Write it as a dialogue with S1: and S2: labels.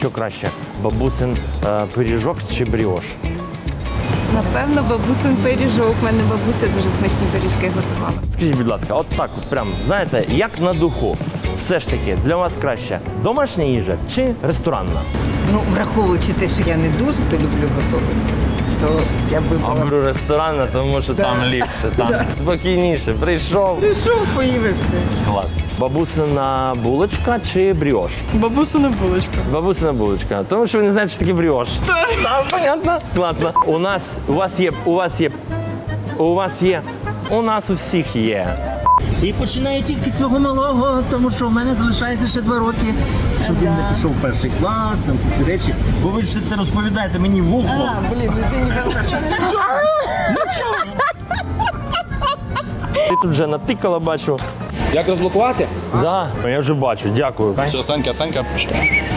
S1: Що краще, бабусин пиріжок чи бріош?
S2: Напевно, бабусин пиріжок. У мене бабуся дуже смачні пиріжки готувала.
S1: Скажіть, будь ласка, от так от прям, знаєте, як на духу, все ж таки, для вас краще домашня їжа чи ресторанна?
S3: Ну, враховуючи те, що я не дуже то люблю готувати, то я б
S1: А
S3: вибрала.
S1: беру ресторанна, тому що там ліпше, там спокійніше. Прийшов.
S3: Прийшов, поїв і все.
S1: Клас. Бабусина булочка чи бріош?
S4: Бабусина булочка.
S1: Бабусина булочка. Тому що ви не знаєте, що таке бріош. Так, понятно. Класно. У нас у всіх є.
S5: І починаю тільки свого малого, тому що в мене залишається ще 2 роки, щоб він не пішов в 1-й клас, там всі ці речі. Бо ви ж це розповідаєте мені в ухо.
S1: Ти тут вже натикала, бачу.
S6: Як розблокувати?
S1: Да, я вже бачу, дякую.
S6: Все, Санька.